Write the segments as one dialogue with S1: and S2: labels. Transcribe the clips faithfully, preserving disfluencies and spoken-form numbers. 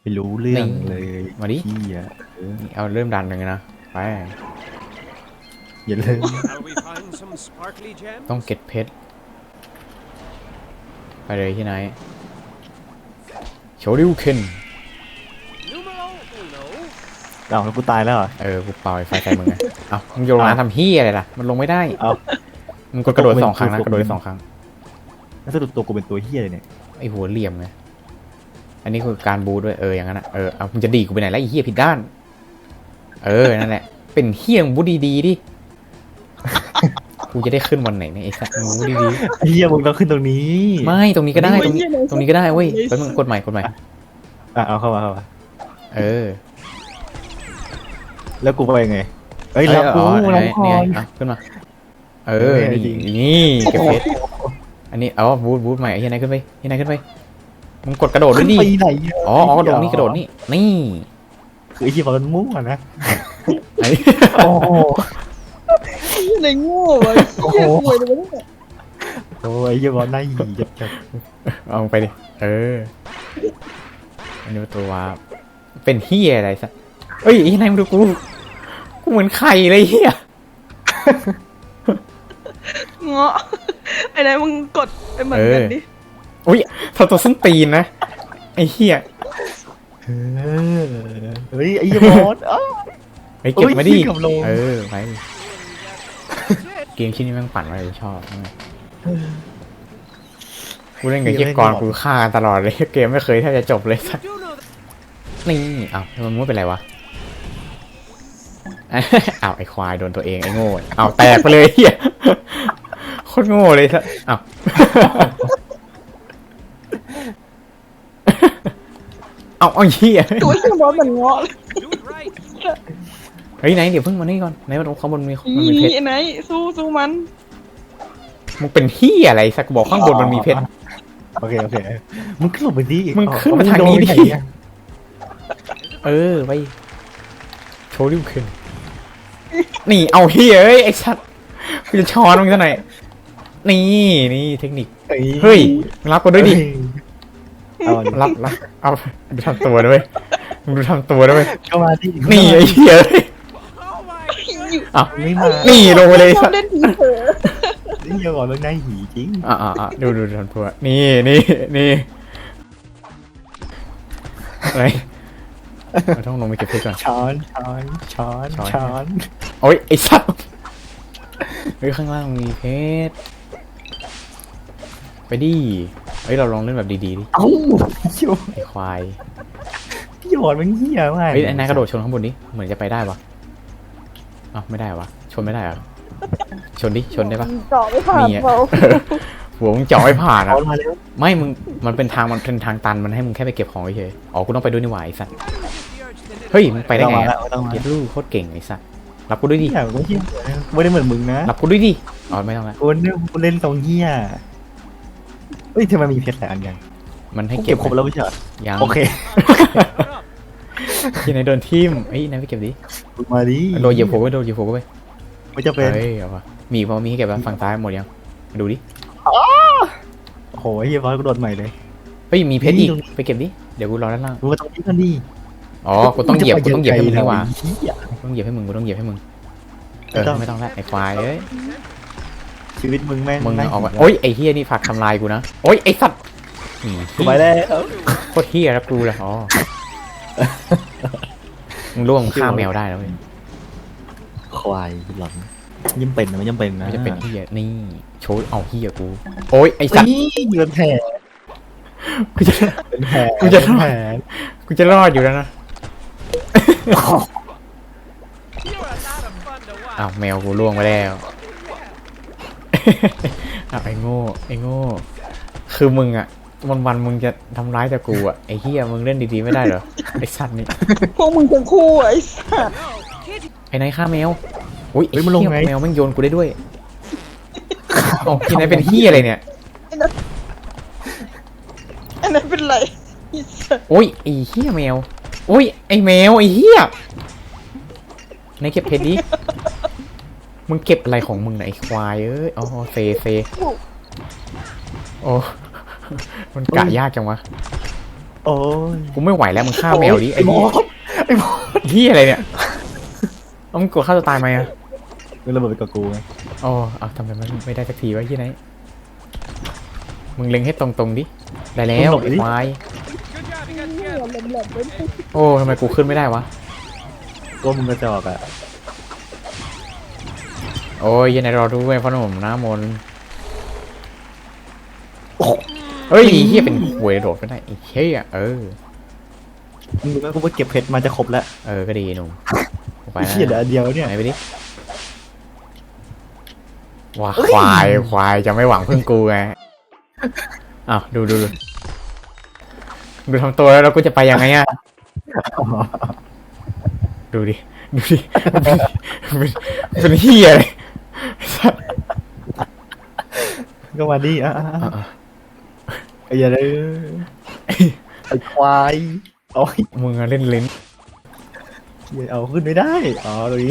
S1: ไม่รู้เรื่องเลย
S2: มาดิ
S1: พี่อะเออ
S2: เอาเริ่มดันเลยนะไป
S1: อย่าเล่น
S2: ต้องเก็บเพชรไปเลยที่ไหนโชริวเคน
S1: เอาแล้วกูตายแล้วเหรอ
S2: เออกูเป่าไอ้ไฟใส่มึงไงเอามึงโยนลงน้ำทำเฮียอะไรล่ะมันลงไม่ได้
S1: เอา
S2: มึงกดกระโดดสองครั้งนะกระโดดได้สองครั้ง
S1: แล้วสรุปตัวกูเป็นตัวเฮียเลยเนี่ย
S2: ไอหัวเหลี่ยมไงอันนี้คือการบูด้วยเอออย่างนั้นนะเออเอามึงจะดีกูไปไหนแล้วไอ้เฮียผิดด้านเออนั่นแหละเป็นเฮียมึงบูดีๆดิกูจะได้ขึ้นวันไหนเนี่ยไอ้สัตว์มึงบูดี
S1: เฮียมึงต้องขึ้นตรงนี้
S2: ๆไม่ตรงนี้ก็ได้ตรงนี้ตรงนี้ก็ได้เว้ยไปมึงกดใหม่กดใหม่
S1: อ่ะเอาเข้ามาเข้ามา
S2: เออ
S1: แล้วกูไปยังไงเอ้ย
S2: เอ้ย
S1: รับกู
S2: อ๋อ
S1: รับ
S2: เนี่ย
S1: ก่อ
S2: เนี่ย
S1: น
S2: เอาขึ้นมา เออ นี่นี่เก็บเพชรอันนี้เอาบูทบูทใหม่ไอ้ที่ไหนขึ้นไปที่ไหนขึ้นไป มึงกดกระโดดด้วยดิ
S1: ขึ้นไปไหนะ
S2: อ๋ออ๋อกระโดดนี่กระโดดนี่ นี่
S1: คือไอ้เฮียบอลมันมั่วนะ
S2: ไอ้
S1: โอ้โห
S3: ในโง่ไอ้เหี้ยป่วยเลยวะเนี่ย
S1: โอ้ยไอ้เฮียบอลน่าหีจับจับ
S2: เอาไปดิ เออ อันนี้ตัวว่าเป็นเฮียอะไรสักเอ้ยไอ้ที่ไหนมึงดูกู กูเหมือนไข่เลยเฮีย
S3: เงาะไอ้ไหนมึงกดไปเหมือนกันดิ
S2: อุ้ยทำตัวส้นตีนนะ ไอ้เฮีย
S1: เออเฮ้ยไอ้เฮียบอลเอ้า
S2: ไอ้เก็บมาดิ
S1: โอ้ยขึ้นกับลง
S2: เออไปเกมชิ้นนี้แม่งปั่นไว้ชอบกูเล่นกับเฮียกรกูฆ่าตลอดเลยเกมไม่เคยแทบจะจบเลยสักนี่อ้าวมันไม่เป็นไรวะอ้าวไอ้ควายโดนตัวเองไอ้โง่อ้าวแตกไปเลยเฮียโคตรโง่เลยสักอ้าวเอาเอาเฮีย
S3: ตัวเหี้ยบอสเหมือนเงาะเลย
S2: เฮ้ยไหนเดี๋ยวเพิ่งมานี่ก่อนไหนมาตรงข้างบนมีมันมีเพชร
S3: ไอ้ไหนสู้สู้มัน
S2: มึงเป็นเฮียอะไรสักบอกข้างบนมันมีเพชร
S1: โอเคโอเคมึงขึ้นลงไปดิ
S2: มึงขึ้นมาทางนี้ดิ
S1: เอมึโไหอะ
S2: เออไปโชว์ดิวขึ้นนี่เอาเฮียเอ้ยไอ้สัตว์กูจะช้อนมึงซะหน่อยนี่นี่เทคนิคเฮ้ยรับกูด้วยดิ
S1: เอาดิ
S2: รับรับเอาดูทำตัวด้วยมึงดูทำตัวด้วย
S1: เข้ามาดิ
S2: นี่ไอ้เฮียเอ้ยอ่ะ
S1: ไม่มา
S2: นี่ลงไปเลย
S3: ชอ
S2: สั
S3: บ
S2: ตว์
S3: เล่นผีเผลอ
S1: ไอ้เฮียบอลมันน่าหีจริง
S2: อ่ะอ่ะอ่ะดูดูดูทำตัวนี่นี่นี่อะไรเราต้องลงไปเก็บเพชรก่อน
S1: ช้อนช้อนช้อน
S2: ช้อน
S1: ช้อน
S2: โอ้ยไอ้สัตว์เฮ้ยข้างล่างมีเพชรไปดิเฮ้ยเราลองเล่นแบบดีๆดิ
S1: เอ้าเหี้ย
S2: ไอ้ควาย
S1: พี่บอลมันเฮียมาก
S2: เฮ้ยไอ้นายกระโดดชนข้างบนดิเหมือนจะไปได้ปะอ้าวไม่ได้วะชนไม่ได้เหรอชนดิชนได้ปะ
S3: เจาะไม่ผ่าน
S2: นี่อะ
S3: เปล่า
S2: หัวมึงเจาะไม่ผ่าน
S1: เอา
S2: อ่ะ
S1: มาแล้ว
S2: ไม่มึงมันเป็นทางมันเป็นทางตันมันให้มึงแค่ไปเก็บของเฉยๆอ๋อกูต้องไปด้วยนี่หว่าไอ้สัตว์เฮ้ยมึงไปได้ไง
S1: ม่
S2: อะ
S1: ต้องมา
S2: เก็บลูกโคตรเก่งไอ้สัตว์รับกูด้วยดิ
S1: เฮียไม่เฮียไม่ได้เหมือนมึงนะ
S2: รับกูด้วยดิอ๋อไม่ต้องละ
S1: กูเล่นกูเล่นตรงเฮียเฮ้ยทำไมมีเพชรหลายอันยัง
S2: มันให้
S1: กู
S2: เก็
S1: เก็
S2: บบ
S1: ครบแล้วไม่ใช่เหรอ
S2: ยัง
S1: โอเค
S2: ที่ไหนโดนทิ่มเฮ้ยนายไปเก็บดิ
S1: มึงมาดิ
S2: โดนเหยียบหัวไปโดนเหยียบหัวไป
S1: ไม่จะเป็น
S2: เฮ้ยเอาวะมีพอมีให้เก็บแล้วฝั่งซ้ายหมดยังมาดูดิ
S1: โอ้โหเฮียบอลกูโดดใหม่เลย
S2: เฮ้ยมีเพชรอีก
S1: นี่ตรงนี้
S2: ไปเก็บดิเดี๋ยวกูรอด้านล่าง
S1: มึงมาตรงนี้กันดิ
S2: อ๋อกูต้องเหยียบกูต้องเหยียบให้มึงนี่หว่า
S1: เฮีย
S2: ต้องเหยียบให้มึงกูต้องเหยียบให้มึงเออ
S1: ไม่ต้อง
S2: ไม่ต้องละไอ้ควายเอ้ย
S1: ชีวิตมึงแม่ง
S2: มึง
S1: น่า
S2: ออกมา
S1: หิว
S2: โอ้ยไอ้เฮียนี่ฝากทำลายกูนะโอ้ยไอ้สัตว์อืม
S1: กูไปแล้ว
S2: โคตรเฮียแล้วกูเลยอ๋อมึงล่วงฆ่าแมวได้แล้วเว้ย
S1: ควายหลอนยิ่งเป็นนะไม่ยิ่งเป็นนะ
S2: ไม่จะเป็นเฮียนี่โชว์เอาเฮียกูโอ้ยไอ้สัตว์
S1: นี่เงินแผล
S2: กูจะ
S1: เป็นแผล
S2: กูจะ
S1: เป็นแผล
S2: กูจะรอดอยู่แล้วนะอ้าวแมวกูล่วงไปแล้วอ้าวไอ้โง่ไอ้โง่คือมึงอะวันวันๆมึงจะทำร้ายแต่กูอะไอ้เฮียมึงเล่นดีๆไม่ได้เหรอไอ้สัตว์นี่
S3: พวกมึงทั้งคู่ไอ้สัส
S2: ไอ้นายฆ่าแมวอุ้ยไอ้เหี้ยแมวแม่งโยนกูได้ด้วยโอ้ที่ไหนเป็นเฮียอะไรเนี่ย
S3: ไอ้ไหนเป็นไรไอ้สัส
S2: โอ้ยไอ้เฮียแมวโอ้ยไอ้แมวไอ้เฮียนายเก็บเพชรดิมึงเก็บอะไรของมึงน่ะไอ้ควายเอ้ยอ๋อเซเซโอ้มันกะยากจังวะ
S1: โอ้ย
S2: กูไม่ไหวแล้วมึงฆ่าแมวดิ
S1: ไอ้
S2: ไอ้
S1: บอ
S2: เหี้ย
S1: สไอ้บอส
S2: เหี้ยอะไรเนี่ยเอามึงกลัวฆ่าตัวตายไหมอะ
S1: มึงระเบิดไปกับกูไง
S2: อ๋อเอาทำไมมันไม่ได้สักทีวะที่ไหนมึงเล็งให้ตรงๆดิได้แล้วไอ้ควายโอ้ทำไมกูขึ้นไม่ได้วะ
S1: ก็มึงกระจอกอ่ะ
S2: โอ้ยยังไงรอดูไอ้พ่อหนุ่มน้ำมนต์เฮ้ยเฮียเป็นหวยโดดไปได้ไอ้เฮียเออ
S1: มึงรู้ไหมกูไปเก็บเพชรมาจะครบแล้ว
S2: เออก็ดีหนุ่มไป
S1: ไอ้เหี้ยเหลืออันเดียวเนี่ย
S2: ไหนไปดิว้าควายควายจะไม่หวังพึ่งกูไงอ้าวดูดูดูดูทำตัวแล้วเราก็จะไปยังไงอะดูดิดูดิเป็นเป็นเฮียเลย
S1: ก็มาดิอ่ะไอ้เหี้ยเลยไอ้ควายโอ้ย
S2: มึงอะเล่นลิ้น
S1: เอาขึ้นไม่ได้อ๋อตรงนี้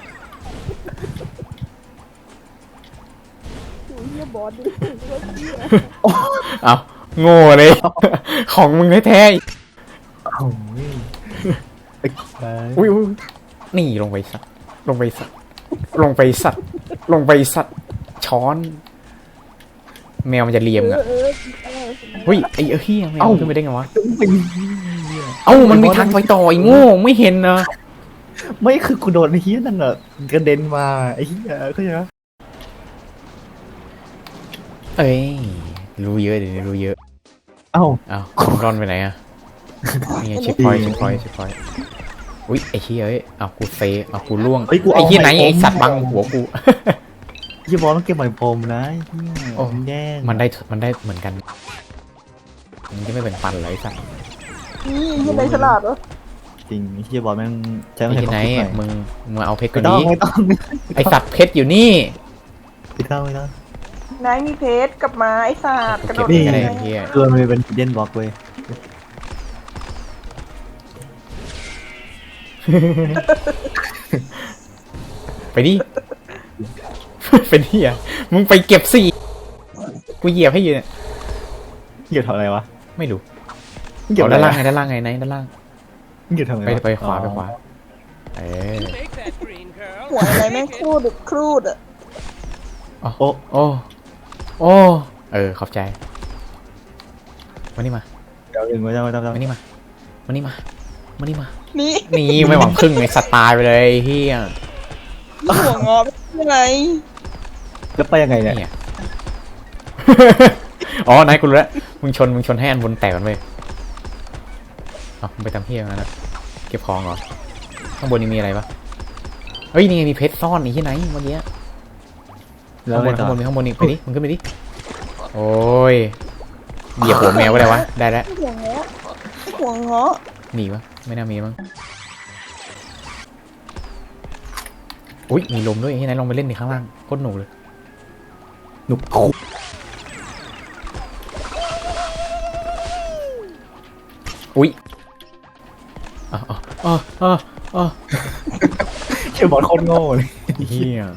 S2: เอาโง่เลย ของมึงแท้
S1: โอ้ยไอ้ควาย
S2: ๆอุ้ยอุ้ยนี่ลงไปสัตว์ลงไปสัตว์ลงไปสัตว์ลงไปสัตว์ช้อน แมวมันจะเลียมอ่ะเฮ้ยไอ้เฮียแมวขึ้นไปได้ไงวะเอ้ามันมีทางไปต่อไอ้โง่ไม่เห็นนะ
S1: ไม่คือกูโดนไอ้เหี้ยนั่นอ่ะกระเด็นมาไอ้เหี้ยเข้าใจไหม
S2: เอ้ยรู้เยอะเดี๋ยวนี้รู้เยอะ
S1: เอ้า
S2: อ้าวคุณร่อนไปไหนอ่ะนี่เช็คพอยต์เช็คพอยต์เช็คพอยต์อุ้ยไอ้เฮียเอ้ยอ้าวกูเซอ้าวกูล่วง
S1: เฮ้ยกู
S2: ไอ้
S1: เอา
S2: เฮียไหน
S1: ไมโคร
S2: ไอ้สัตว์บังหัวกู
S1: ยี่บอลต้องเก็บไหมพรมนะไอ้เหี้ย
S2: โอ้
S1: แย่ง
S2: มันได้มันได้เหมือนกันมันจะไม่เป็นปันเลยสัตว์
S3: นี่ยังไงฉลาดเหรอ
S1: จริงไอ้เหี้ยบอลแม่งใช้
S2: ไอ้
S1: ไม่
S2: ที่ไหน
S1: ใช่
S2: อะมึงมึงมาเอาเพชร
S1: ไม่
S2: ก่อน
S1: ต้อง
S2: นี้
S1: ไม่ต้องไม่ต้อง
S2: ไอสัตว์เพชรอยู่นี่
S1: ไม่ต้องไม่ต้อง
S3: นายมีเพชรกับไม้ศาสตร์กระโดด
S2: เก็บ
S3: ยัง
S2: ก็
S3: ไง
S2: ได้เฮีย
S1: เกลือมันเป็นเด่นบล็อกเว้ย
S2: ไปดิ เป็นเฮียมึงไปเก็บสิกูเหยียบให้อยู่เนี่ย
S1: เหยียบทำอะไรวะ
S2: ไม่รู้
S1: เหยียบ
S2: เอา
S1: อะไร
S2: ด้านล่าง
S1: วะ
S2: ไงด้านล่างไงไหนด้านล่าง
S1: เหยียบทำอะไร
S2: ไป
S1: วะ
S2: ไปขวาไปขวาเออ
S3: หัวอะไรแม่งครูดครูดอ่ะ
S1: โอ้
S2: โอ้โอ้เออขอบใจมานี่มา
S1: เดี๋ยวเองไม่ต้องไม่ต้องไม่ต้อง
S2: มานี่มามานี่มามานี่มา
S3: นี่
S2: นี่ไม่หวังพึ่งไอสัตว์ตายไปเลยเฮีย
S3: นี่หัวงอเป็นยังไง
S1: แล้วไปยังไงเนี่ย
S2: เนี่ย อ๋อนายกูรู้แล้วมึงชนมึงชนให้อันบนแตกกันไปเอามึงไปทำเฮียมาแล้วเก็บของเหรอข้างบนนี่มีอะไรปะเฮ้ยนี่ไงมีเพชรซ่อนนี่ที่ไหนเมื่อกี้
S1: แล้ว
S2: ข้างบ
S1: ไง
S2: น
S1: ต่
S2: ข้าง
S1: อบ
S2: นมีข้างบนนี่ไปดิมึงขึ้นไปดิโอ้ยเหยียบหัวแมวก็ได้วะได้แล้ว
S3: หัวงอหัวงอ
S2: มีปะไม่น่ามีมั้งอุ้ยมีลมด้วยที่ไหนลองไปเล่นดิข้างล่างโคตรหนุกเลย
S1: หนุกคุก
S2: อุ้ยอ๋ออ๋ออ๋ออ๋อ
S1: เชื่อบอลโคตรโง่เลย
S2: เฮีย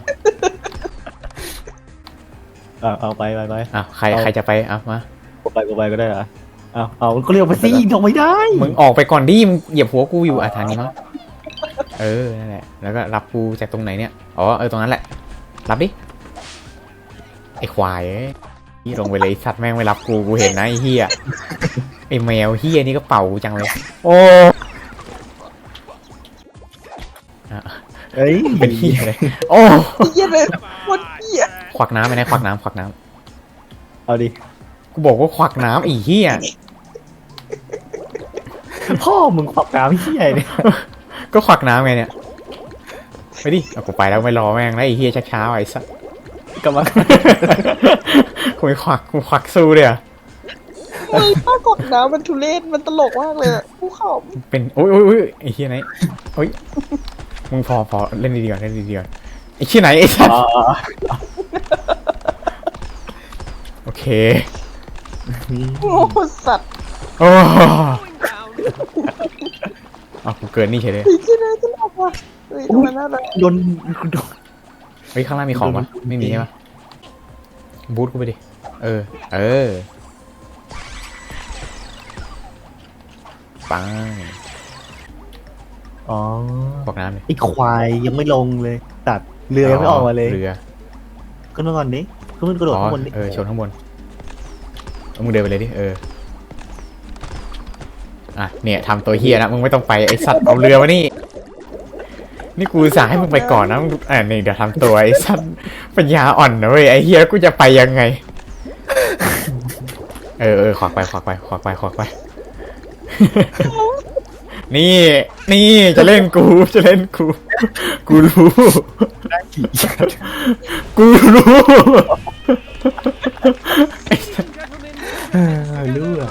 S1: เอาเอาไปไปไป
S2: อ่ะใครใครจะไปอ่ะมา
S1: กูไปกูไปก็ได้เหรอเอาเอาก็เรียกไปสิทำไม่ได้
S2: มึงออกไปก่อนดิมึงเหยียบหัวกูอยู่อ่ะทางนี้มั้งเออนั่นแหละแล้วก็รับกูจากตรงไหนเนี่ยอ๋อเออตรงนั้นแหละรับดิไอ้ควายเอ้ยนี่ลงไปเลยไอ้สัตว์แม่งไม่รับกูกูเห็นนะไอ้เฮียไอ้แมวเฮียนี่ก็เป่ากูจังเลยโอ้อ่ะ
S1: เอ้ย
S2: เป็นเฮียเลยโอ้
S3: เหี้ยเลยหมดเหี้ย
S2: ควักน้ำไปนะควักน้ำควักน้
S1: เอาดิ
S2: ำกูบอกว่าควักน้ำไอ้เฮีย
S1: พ่อมึงขวักน้ำเหี้ยเนี่ย
S2: ก็ควักน้ำไงเนี่ยไปดิเอากูไปแล้วไม่รอแม่งแล้วไอ้เฮียช้าๆไอ้สัส
S1: กำลัง
S2: กูไม่ควักกูควักสู้เลยอ่ะ
S3: เฮ้ยป้ากดน้ำมันทุเรศมันตลกมากเลยอะผู้เขา
S2: เป็นโอ้ยโอ้ยโอ้ยไอ้เฮียไหนโอ้ยมึงพอพอเล่นดีๆก่อนเล่นดีๆก่อนไอ้เฮียไหนไอ้สัส
S1: อ๋อ
S2: โอเค
S3: โง่สัตว์
S2: โอ้เอากูเกินนี่เฉยเลย
S3: เฮ้ยเหี้ยเลยตลกว่ะเฮ้ยทำไมน่ารัก
S1: โดนโดน
S2: เฮ้ยข้างล่างมีของปะไม่มีใช่ปะบูทกูไปดิเออเออไป
S1: อ๋อ
S2: บอกน้ำเลย
S1: ไอ้ควายยังไม่ลงเลยตัดเรือยังไม่ออกมาเลย
S2: เรือ
S1: ก็นอนดิก็มันกระโดด
S2: อ๋อ
S1: ข้างบนดิ
S2: เออชนข้างบนเอามึงเดินไปเลยดิเอออ่ะเนี่ยทำตัวเฮียนะมึงไม่ต้องไปไอสัตว์เอาเรือมานี่นี่กูสั่งให้มึงไปก่อนนะมึงอ่านี่เดี๋ยวทำตัวไอสัตว์ปัญญาอ่อนนะเว้ยไอเฮียกูจะไปยังไงเออเออขวากไปขวากไปขวากไปขวากไป นี่นี่จะเล่นกูจะเล่นกูกูรู้กูรู้
S1: เออรู้เหรอ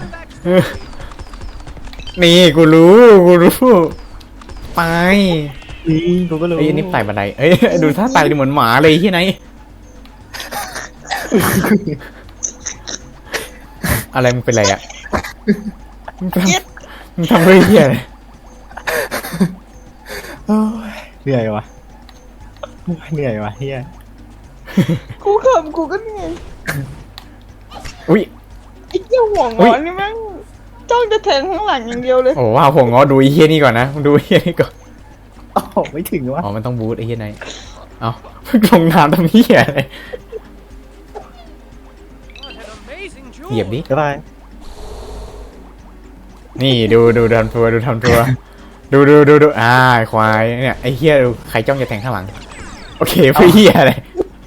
S2: นี่กูรู้กูรู้ไป
S1: นี่กูก็รู้
S2: ไอ้ยนี่ไต่บันไดเอ้ยดูท่าไต่ดูเหมือนหมาเลยที่ไหนอะไรมึงเป็นไรอ่ะมึงทำมึงทำเรื่องเหี้ยอะไร
S1: โอ้ยเหนื่อยวะเหนื่อยวะเฮีย
S3: กูขำกูก็เหนื่อย
S2: อุ้ย
S3: ไอ้เหี้ยห่วง
S2: อุ๊
S3: งอย นนี่แม่งจ้องจะแทงข้างหลังอย่างเดียวเลย
S2: โอ้ว้าวหัวงอดูไอ้เฮี้ยนี่ก่อนนะมึงดูไอ้เฮี้ยนี่ก่อน
S1: โอ้โหไม่ถึงวะ
S2: อ๋อมันต้องบูทไอ้เฮี้ยไหนเอ้าเพิ่งลงน้ำทำเฮี้ยอะไรเหยียบดิ
S1: บ๊ายบาย
S2: นี่ดูดูทำตัวดูทำตัวดูดูดูดูอ่าควายเนี่ยไอ้เฮี้ยดูใครจ้องจะแทงข้างหลังโอเคเพื่อเฮี้ยอะไร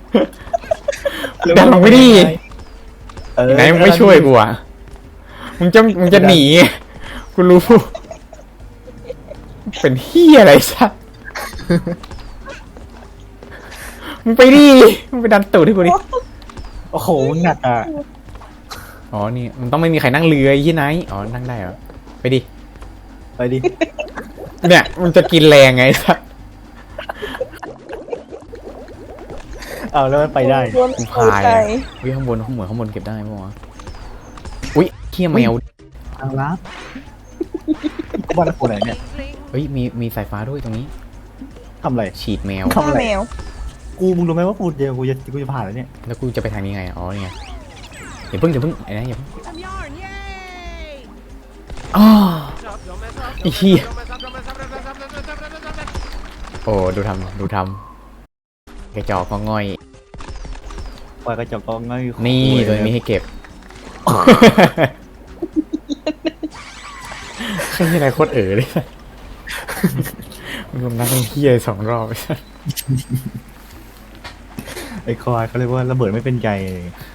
S2: ดันลงไปดิ
S1: เออ
S2: ไหนมึงไม่ช่วยกูอ่ะมึงจะมึงจะหนีกูรู้เป็นเฮี้ยอะไรสักมึงไปดิมึงไปดันตูดให้กูดิ
S1: โอ้โหมึงหนักอ่ะ
S2: อ๋อนี่มันต้องไม่มีใครนั่งเรือไอ้ยี่ไหนอ๋อนั่งได้เหรอไปดิ
S1: ไปดิ
S2: เนี่ยมันจะกินแรงไงสัก
S1: เอาแล้วมันไปได้
S3: โดน
S2: กู
S3: เอา
S2: พาย
S3: ใจ
S2: อะวิข้างบนข้างบนข้างบนเก็บได้ปะวะอุ้ยเขี้ยแมว
S1: ทางลับกูบ้านกูไหนเนี่ย
S2: เฮ้ยมีมีสายฟ้าด้วยตรงนี้
S1: ทำอะไร
S2: ฉีดแมว
S1: ทำอะไร
S3: แมว
S1: กูมึงรู้ไหมว่ากูเดียวกูจะกูจะผ่านแล้วเนี่ย
S2: แล้วกูจะไปทางนี้ไงอ๋อนี่ไงอย่าเพิ่งอย่าเพิ่งไอ้นะอย่าเพิ่งอ๋อไอ้เหี้ยโอ้ดูทำดูทำกระจอกก็ง่อย
S1: ปล่อยกระจกกองง่าย
S2: นี่ตัวนี้มีให้เก็บแค่นี้อะไรโคตรเอ๋อเลยมันรวมนักท่องเที่ยวสองรอบ
S1: ไอ้คอยเขาเรียกว่าระเบิดไม่เป็นใจ